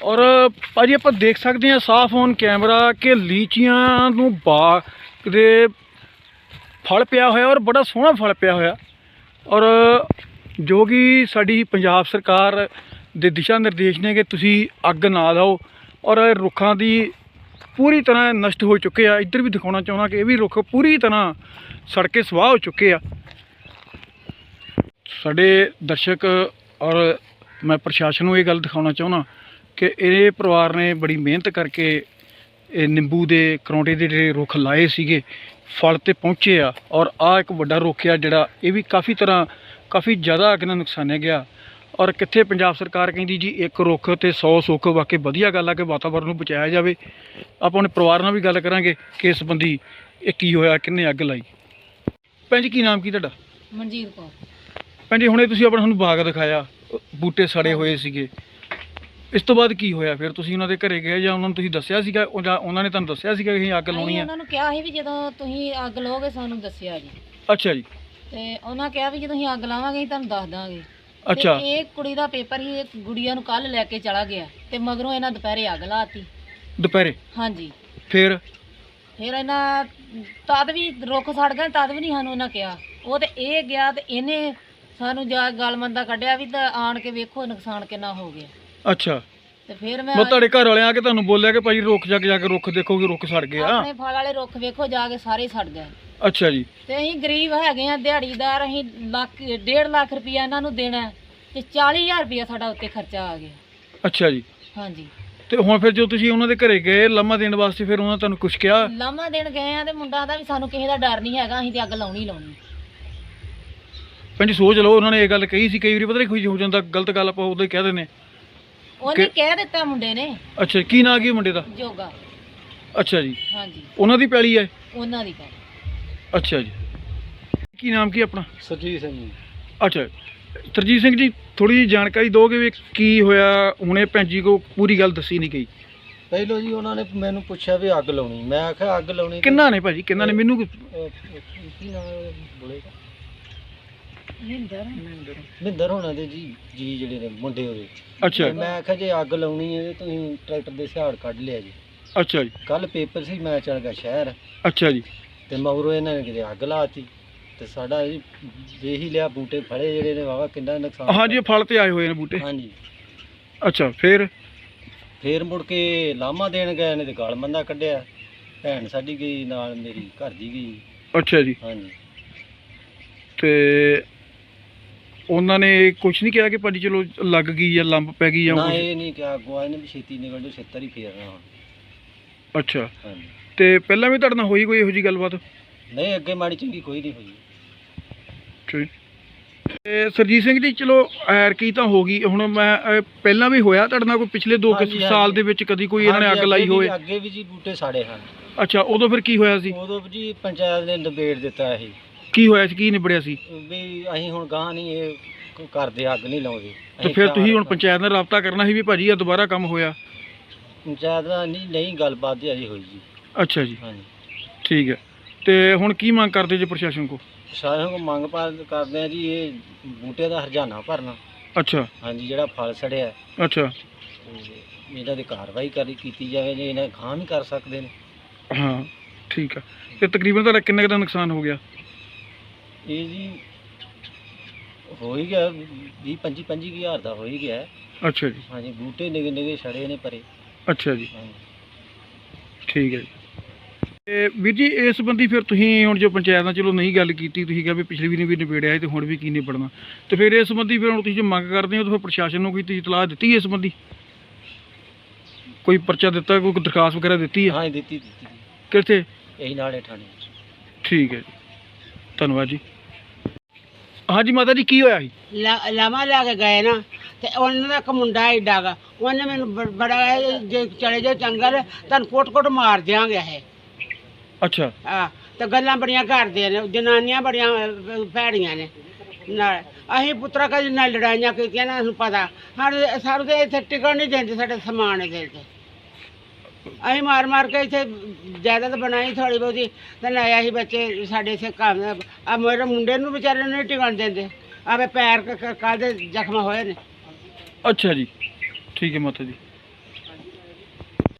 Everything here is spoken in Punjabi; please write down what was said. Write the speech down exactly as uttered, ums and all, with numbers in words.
ਔਰ ਭਾਜੀ ਆਪਾਂ ਦੇਖ ਸਕਦੇ ਹਾਂ ਸਾਫ਼ ਔਨ ਕੈਮਰਾ ਕਿ ਲੀਚੀਆਂ ਨੂੰ ਬਾਗ ਦੇ ਫਲ ਪਿਆ ਹੋਇਆ ਔਰ ਬੜਾ ਸੋਹਣਾ ਫਲ ਪਿਆ ਹੋਇਆ। ਔਰ ਜੋ ਕਿ ਸਾਡੀ ਪੰਜਾਬ ਸਰਕਾਰ ਦੇ ਦਿਸ਼ਾ ਨਿਰਦੇਸ਼ ਨੇ ਕਿ ਤੁਸੀਂ ਅੱਗ ਨਾ ਲਾਓ ਔਰ ਰੁੱਖਾਂ ਦੀ ਪੂਰੀ ਤਰ੍ਹਾਂ ਨਸ਼ਟ ਹੋ ਚੁੱਕੇ ਆ। ਇੱਧਰ ਵੀ ਦਿਖਾਉਣਾ ਚਾਹੁੰਦਾ ਕਿ ਇਹ ਵੀ ਰੁੱਖ ਪੂਰੀ ਤਰ੍ਹਾਂ ਸੜ ਕੇ ਸਵਾਹ ਹੋ ਚੁੱਕੇ ਆ। ਸਾਡੇ ਦਰਸ਼ਕ ਔਰ ਮੈਂ ਪ੍ਰਸ਼ਾਸਨ ਨੂੰ ਇਹ ਗੱਲ ਦਿਖਾਉਣਾ ਚਾਹੁੰਦਾ ਕਿ ਇਹ ਪਰਿਵਾਰ ਨੇ ਬੜੀ ਮਿਹਨਤ ਕਰਕੇ ਇਹ ਨਿੰਬੂ ਦੇ ਕਰੌਂਟੇ ਦੇ ਜਿਹੜੇ ਰੁੱਖ ਲਾਏ ਸੀਗੇ ਫਲ ਤੇ ਪਹੁੰਚੇ ਆ। ਔਰ ਆਹ ਇੱਕ ਵੱਡਾ ਰੁੱਖ ਆ ਜਿਹੜਾ ਇਹ ਵੀ ਕਾਫੀ ਤਰ੍ਹਾਂ ਕਾਫੀ ਜ਼ਿਆਦਾ ਅੱਗ ਨਾਲ ਨੁਕਸਾਨਿਆ ਗਿਆ। ਔਰ ਕਿੱਥੇ ਪੰਜਾਬ ਸਰਕਾਰ ਕਹਿੰਦੀ ਜੀ ਇੱਕ ਰੁੱਖ ਤੇ ਸੌ ਸੁੱਖ। ਵਾਕਈ ਵਧੀਆ ਗੱਲ ਆ ਕਿ ਵਾਤਾਵਰਨ ਨੂੰ ਬਚਾਇਆ ਜਾਵੇ। ਆਪਾਂ ਆਪਣੇ ਪਰਿਵਾਰ ਨਾਲ ਵੀ ਗੱਲ ਕਰਾਂਗੇ ਕਿ ਇਸ ਸੰਬੰਧੀ ਇਹ ਕੀ ਹੋਇਆ, ਕਿੰਨੇ ਅੱਗ ਲਾਈ। ਭੈਣ ਜੀ ਕੀ ਨਾਮ ਕੀ ਤੁਹਾਡਾ? ਮਨਜੀਤ ਕੌਰ। ਭੈਣ ਜੀ ਹੁਣੇ ਤੁਸੀਂ ਆਪਣਾ ਸਾਨੂੰ ਬਾਗ ਦਿਖਾਇਆ, ਬੂਟੇ ਸੜੇ ਹੋਏ ਸੀਗੇ, ਇਸ ਤੋਂ ਬਾਅਦ ਕੀ ਹੋਇਆ ਫਿਰ? ਤੁਸੀਂ ਉਹਨਾਂ ਦੇ ਘਰੇ ਗਏ ਜਾਂ ਉਹਨਾਂ ਨੂੰ ਤੁਸੀਂ ਦੱਸਿਆ ਸੀਗਾ ਜਾਂ ਉਹਨਾਂ ਨੇ ਤੁਹਾਨੂੰ ਦੱਸਿਆ ਸੀਗਾ ਕਿ ਅਸੀਂ ਅੱਗ ਲਾਉਣੀ ਆ? ਉਹਨਾਂ ਨੂੰ ਕਿਹਾ ਸੀ ਵੀ ਜਦੋਂ ਤੁਸੀਂ ਅੱਗ ਲਾਓਗੇ ਸਾਨੂੰ ਦੱਸਿਆ ਜੀ। ਅੱਛਾ ਜੀ। ਤੇ ਉਹਨਾਂ ਕਿਹਾ ਵੀ ਜਦੋਂ ਅਸੀਂ ਅੱਗ ਲਾਵਾਂਗੇ ਅਸੀਂ ਤੁਹਾਨੂੰ ਦੱਸ ਦਾਂਗੇ। ਅੱਛਾ। ਤੇ ਇਹ ਕੁੜੀ ਦਾ ਪੇਪਰ ਸੀ, ਇਹ ਗੁੜੀਆ ਨੂੰ ਕੱਲ ਲੈ ਕੇ ਚਲਾ ਗਿਆ ਤੇ ਮਗਰੋਂ ਇਹਨਾਂ ਦੁਪਹਿਰੇ ਅੱਗ ਲਾਤੀ। ਦੁਪਹਿਰੇ? ਹਾਂਜੀ। ਫਿਰ ਫਿਰ ਇਹਨਾਂ ਤਦ ਵੀ ਰੁੱਖ ਸੜ ਗਏ, ਤਦ ਵੀ ਨਹੀਂ ਸਾਨੂੰ ਉਹਨਾਂ ਕਿਹਾ। ਉਹ ਤੇ ਇਹ ਗਿਆ ਤੇ ਇਹਨੇ ਸਾਨੂੰ ਜਾ ਗਲਮੰਦਾ ਕੱਢਿਆ ਵੀ ਤਾਂ ਆਣ ਕੇ ਵੇਖੋ ਨੁਕਸਾਨ ਕਿੰਨਾ ਹੋ ਗਿਆ। ਅੱਛਾ। ਤੇ ਫਿਰ ਮੈਂ ਮੈਂ ਤੁਹਾਡੇ ਘਰ ਵਾਲਿਆਂ ਆ ਕੇ ਤੁਹਾਨੂੰ ਬੋਲਿਆ ਕਿ ਭਾਈ ਰੁੱਖ ਜਾ ਕੇ ਜਾ ਕੇ ਰੁੱਖ ਦੇਖੋ ਕਿ ਰੁੱਖ ਸੜ ਗਏ ਆ? ਆਪਣੇ ਫਲ ਵਾਲੇ ਰੁੱਖ ਵੇਖੋ ਜਾ ਕੇ ਸਾਰੇ ਸੜ ਗਏ। ਅੱਛਾ ਜੀ। ਤੇ ਅਸੀਂ ਗਰੀਬ ਹੈਗੇ ਆ, ਦਿਹਾੜੀਦਾਰ, ਅਸੀਂ ਲੱਖ ਡੇਢ ਲੱਖ ਰੁਪਇਆ ਇਹਨਾਂ ਨੂੰ ਦੇਣਾ ਤੇ ਚਾਲੀ ਹਜ਼ਾਰ ਰੁਪਇਆ ਸਾਡਾ ਉੱਤੇ ਖਰਚਾ ਆ ਗਿਆ। ਅੱਛਾ ਜੀ। ਹਾਂਜੀ। ਤੇ ਹੁਣ ਫਿਰ ਜੋ ਤੁਸੀਂ ਉਹਨਾਂ ਦੇ ਘਰੇ ਗਏ ਲਾਮਾ ਦੇਣ ਵਾਸਤੇ, ਫਿਰ ਉਹਨਾਂ ਤੁਹਾਨੂੰ ਕੁਝ ਕਿਹਾ? ਲਾਮਾ ਦੇਣ ਗਏ ਆ ਤੇ ਮੁੰਡਾ ਦਾ ਵੀ ਸਾਨੂੰ ਕਿਸੇ ਦਾ ਡਰ ਨਹੀਂ ਹੈਗਾ, ਅਸੀਂ ਤੇ ਅੱਗ ਲਾਉਣੀ ਲਾਉਣੀ। ਭੈਣ ਜੀ ਸੋਚ ਲਓ, ਉਹਨਾਂ ਨੇ ਇਹ ਗੱਲ ਕਹੀ ਸੀ। ਕਈ ਵਾਰੀ ਪਤਾ ਨਹੀਂ ਕੋਈ ਹੋ ਜਾਂਦਾ ਗਲਤ ਗੱਲ, ਆਪਾਂ ਉਦੋਂ ਹੀ ਕਹਿ ਦਿੰਦੇ। ਉਹਨੇ ਕਹਿ ਦਿੱਤਾ ਮੁੰਡੇ ਨੇ। ਅੱਛਾ, ਕੀ ਨਾਂ ਕੀ ਮੁੰਡੇ ਦਾ? ਜੋਗਾ। ਅੱਛਾ ਜੀ। ਹਾਂਜੀ। ਉਹਨਾਂ ਦੀ ਪੈਲੀ ਹੈ? ਉਹਨਾਂ ਦੀ ਗੱਲ। ਅੱਛਾ ਜੀ। ਕੀ ਨਾਮ ਕੀ ਆਪਣਾ? ਸਰਜੀਤ ਸਿੰਘ ਜੀ। ਅੱਛਾ ਸਰਜੀਤ ਸਿੰਘ ਜੀ, ਥੋੜੀ ਜਿਹੀ ਜਾਣਕਾਰੀ ਦਿਓਗੇ ਵੀ ਕੀ ਹੋਇਆ? ਹੁਣੇ ਭੈਣ ਜੀ ਕੋ ਪੂਰੀ ਗੱਲ ਦੱਸੀ ਨਹੀਂ ਗਈ। ਪਹਿਲੋਂ ਜੀ ਉਹਨਾਂ ਨੇ ਮੈਨੂੰ ਪੁੱਛਿਆ ਵੀ ਅੱਗ ਲਾਉਣੀ, ਮੈਂ ਆਖਿਆ ਅੱਗ ਲਾਉਣੀ ਕਿੰਨਾ ਨੇ ਭਾਜੀ, ਕਿੰਨਾ ਨੇ? ਮੈਨੂੰ ਅਹ, ਕੀ ਨਾਮ ਬੋਲੇਗਾ? ਮਹਿੰਦਰ। ਮਹਿੰਦਰ ਹੋਣਾ ਦੇ ਜੀ ਜੀ ਜਿਹੜੇ ਨੇ ਮੁੰਡੇ ਉਹਦੇ। ਅੱਛਾ। ਤੇ ਮੈਂ ਆਖਿਆ ਜੇ ਅੱਗ ਲਾਉਣੀ ਹੈ ਤੇ ਤੁਸੀਂ ਟਰੈਕਟਰ ਦੇ ਸਿਹਾੜ ਕੱਢ ਲਿਆ ਜੀ। ਅੱਛਾ ਜੀ। ਕੱਲ ਪੇਪਰ ਸੀ, ਮੈਂ ਚਲ ਗਿਆ ਸ਼ਹਿਰ ਅੱਛਾ ਜੀ। ਤੇ ਮਗਰੋਂ ਇਹਨਾਂ ਨੇ ਕਿਤੇ ਅੱਗ ਲਾਤੀ ਤੇ ਸਾਡਾ ਜੀ ਵੇਖ ਹੀ ਲਿਆ, ਬੂਟੇ ਫੜੇ ਜਿਹੜੇ ਨੇ ਵਾਵਾ ਕਿੰਨਾ ਨੁਕਸਾਨ। ਹਾਂਜੀ, ਫਲ ਤੇ ਆਏ ਹੋਏ ਨੇ ਬੂਟੇ। ਹਾਂਜੀ। ਅੱਛਾ, ਫਿਰ ਫੇਰ ਮੁੜ ਕੇ ਲਾਮਾ ਦੇਣ ਗਏ ਨੇ ਤੇ ਗਲ ਮੰਦਾ ਕੱਢਿਆ। ਭੈਣ ਸਾਡੀ ਗਈ ਨਾਲ, ਮੇਰੀ ਘਰ ਦੀ ਗਈ। ਅੱਛਾ ਜੀ। ਹਾਂਜੀ। ਤੇ ਉਹਨਾਂ ਨੇ ਕੁਝ ਨਹੀਂ ਕਿਹਾ ਕਿ ਭਾਜੀ ਚਲੋ ਲੱਗ ਗਈ ਜਾਂ ਲੰਬ ਪੈ ਗਈ ਜਾਂ ਨਾ ਕੁਛ? ਇਹ ਨਹੀਂ ਕਿਹਾ, ਅੱਗੋਂ ਇਹਨੇ ਵੀ ਛੇਤੀ ਨਿਕਲ ਜਾਓ, ਛੇਤਰ ਹੀ ਫੇਰਨਾ ਹੁਣ। ਅੱਛਾ। ਹਾਂਜੀ। ਤੇ ਪਹਿਲਾਂ ਵੀ ਤੁਹਾਡੇ ਨਾਲ ਹੋਈ ਕੋਈ ਇਹੋ ਜਿਹੀ ਗੱਲਬਾਤ? ਨਹੀਂ, ਅੱਗੇ ਮਾੜੀ ਚੰਗੀ ਕੋਈ ਨਹੀਂ ਹੋਈ। ਠੀਕ। ਤੇ ਸਰਜੀਤ ਸਿੰਘ ਜੀ, ਚਲੋ ਐਰ ਕੀ ਤਾਂ ਹੋ ਗਈ ਹੁਣ। ਮੈਂ ਅਹ, ਪਹਿਲਾਂ ਵੀ ਹੋਇਆ ਤੁਹਾਡੇ ਨਾਲ ਕੋਈ ਪਿਛਲੇ ਦੋ ਕੁ ਹਾਂਜੀ, ਸਾਲ ਹਾਂਜੀ। ਦੇ ਵਿੱਚ ਕਦੀ ਕੋਈ ਇਹਨਾਂ ਨੇ ਹਾਂਜੀ, ਅੱਗ ਲਾਈ ਅੱਗੇ ਵੀ- ਹੋਵੇ? ਅੱਗੇ ਵੀ ਜੀ ਬੂਟੇ ਸਾੜੇ ਹਨ। ਅੱਛਾ, ਉਦੋਂ ਫਿਰ ਕੀ ਹੋਇਆ ਸੀ? ਉਦੋਂ ਜੀ ਪੰਚਾਇਤ ਨੇ ਨਿਬੇੜ ਦਿੱਤਾ ਇਹ ਕੀ ਹੋਇਆ ਸੀ, ਕੀ ਨਿਬੜਿਆ ਸੀ? ਵੀ ਅਸੀਂ ਹੁਣ ਗਾਂ ਨਹੀਂ ਇਹ ਕ- ਕਰਦੇ, ਅੱਗ ਨਹੀਂ ਲਾਉਂਦੇ। ਤੇ ਅਸੀਂ ਫਿਰ ਤਾਂ ਤੁਸੀਂ ਹੁਣ ਪੰਚਾਇਤ ਨਾਲ ਰਾਬਤਾ ਕਰਨਾ ਸੀ ਵੀ ਭਾਜੀ ਇਹ ਦੁਬਾਰਾ ਕੰਮ ਹੋਇਆ? ਪੰਚਾਇਤ ਨਾਲ ਨਹੀਂ ਨਹੀਂ ਗੱਲਬਾਤ ਦੀ ਅਜੇ ਹੋਈ ਜੀ। ਅੱਛਾ ਜੀ। ਹਾਂਜੀ। ਠੀਕ ਹੈ। ਤੇ ਹੁਣ ਕੀ ਮੰਗ ਕਰਦੇ ਜੀ ਪ੍ਰਸ਼ਾਸਨ ਕੋ? ਸਾਰਿਆਂ ਨੂੰ ਮੰਗ ਪਾ ਕਰਦੇ ਆ ਜੀ, ਇਹ ਬੂਟੇ ਦਾ ਹਰਜਾਨਾ ਭਰਨਾ। ਅੱਛਾ। ਹਾਂਜੀ, ਜਿਹੜਾ ਫਲ ਸੜਿਆ ਅੱਛਾ। ਤੇ ਇਹਨਾਂ ਦੀ ਕਾਰਵਾਈ ਕਰੀ ਕੀਤੀ ਜਾਵੇ ਜੇ ਇਹਨਾਂ ਗਾਂ ਵੀ ਕਰ ਸਕਦੇ ਨੇ। ਹਾਂ ਠੀਕ ਆ। ਤੇ ਤਕਰੀਬਨ ਤੁਹਾਡਾ ਕਿੰਨੇ ਕੁ ਦਾ ਨੁਕਸਾਨ ਹੋ ਗਿਆ? ਇਹ ਜੀ ਹੋ ਹੀ ਗਿਆ ਵੀਹ ਪੰਜੀ ਪੰਜੀ ਹਜ਼ਾਰ ਦਾ ਹੋ ਹੀ ਗਿਆ। ਅੱਛਾ ਜੀ। ਹਾਂਜੀ, ਬੂਟੇ ਨਿਗੇ ਨਿਗੇ ਛੜੇ ਨੇ ਪਰੇ। ਅੱਛਾ ਜੀ। ਹਾਂਜੀ। ਠੀਕ ਹੈ ਜੀ। ਤੇ ਵੀਰ ਜੀ ਇਸ ਸੰਬੰਧੀ ਫਿਰ ਤੁਸੀਂ ਹੁਣ ਜੋ ਪੰਚਾਇਤ ਨਾਲ ਚਲੋ ਨਹੀਂ ਗੱਲ ਕੀਤੀ, ਤੁਸੀਂ ਕਿਹਾ ਵੀ ਪਿਛਲੀ ਵੀ ਨਹੀਂ ਵੀ ਨਿਬੇੜਿਆ ਤੇ ਹੁਣ ਵੀ ਕੀ ਨਿਬੜਨਾ, ਤੇ ਫਿਰ ਇਸ ਸੰਬੰਧੀ ਫਿਰ ਹੁਣ ਤੁਸੀਂ ਜੋ ਮੰਗ ਕਰਦੇ ਹੋ ਤਾਂ ਫਿਰ ਪ੍ਰਸ਼ਾਸਨ ਨੂੰ ਕੋਈ ਤੁਸੀਂ ਇਤਲਾਹ ਦਿੱਤੀ ਇਸ ਸੰਬੰਧੀ? ਕੋਈ ਪਰਚਾ ਦਿੱਤਾ, ਕੋਈ ਦਰਖਾਸਤ ਵਗੈਰਾ ਦਿੱਤੀ ਹੈ? ਹਾਂ ਦਿੱਤੀ ਦਿੱਤੀ ਕਿੱਥੇ? ਇਹੀ ਨਾਲੇ ਠਾਣੇ। ਠੀਕ ਹੈ ਜੀ, ਧੰਨਵਾਦ ਜੀ। ਹਾਂਜੀ ਮਾਤਾ ਜੀ, ਕੀ ਹੋਇਆ ਸੀ? ਲਾਮਾ ਲੈ ਕੇ ਗਏ ਨਾ ਤੇ ਉਹਨਾਂ ਦਾ ਇੱਕ ਮੁੰਡਾ ਏਡਾ ਗਾ, ਉਹਨੇ ਮੈਨੂੰ ਬ- ਬੜਾ ਜੇ ਚਲੇ ਜਾਓ ਚੰਗਲ ਤੁਹਾਨੂੰ ਕੁੱਟ-ਕੁੱਟ ਮਾਰ ਦਿਆਂਗੇ ਇਹ। ਅੱਛਾ। ਆ ਤੇ ਗੱਲਾਂ ਬੜੀਆਂ ਕਰਦੇ ਨੇ, ਜਨਾਨੀਆਂ ਬੜੀਆਂ ਅਹ, ਭੈੜੀਆਂ ਨੇ ਨਾਲ। ਅਸੀਂ ਪੁੱਤਰਾ ਕਦੇ ਨਾਲ ਲੜਾਈਆਂ ਕੀਤੀਆਂ ਨਾ, ਸਾਨੂੰ ਪਤਾ। ਸਾਡੇ ਸਾਨੂੰ ਤੇ ਇੱਥੇ ਟਿਕਣ ਨਹੀਂ ਦਿੰਦੇ, ਸਾਡੇ ਸਮਾਨ ਦੇ ਤੇ ਅਸੀਂ ਮਾਰ ਮਾਰ ਕੇ ਇੱਥੇ ਜਾਇਦਾਦ ਬਣਾਈ ਥੋੜ੍ਹੀ ਬਹੁਤੀ ਤੇ ਲਾਇਆ ਸੀ ਬੱਚੇ ਸਾਡੇ ਇੱਥੇ ਕੰਮ। ਆ ਮੇਰੇ ਮੁੰਡੇ ਨੂੰ ਵਿਚਾਰੇ ਨੂੰ ਨਹੀਂ ਟਿਕਣ ਦਿੰਦੇ, ਆਵੇ ਪੈਰ ਕੱਲ੍ਹ ਦੇ ਜ਼ਖਮ ਹੋਏ ਨੇ। ਅੱਛਾ ਜੀ। ਠੀਕ ਹੈ ਮਾਤਾ ਜੀ।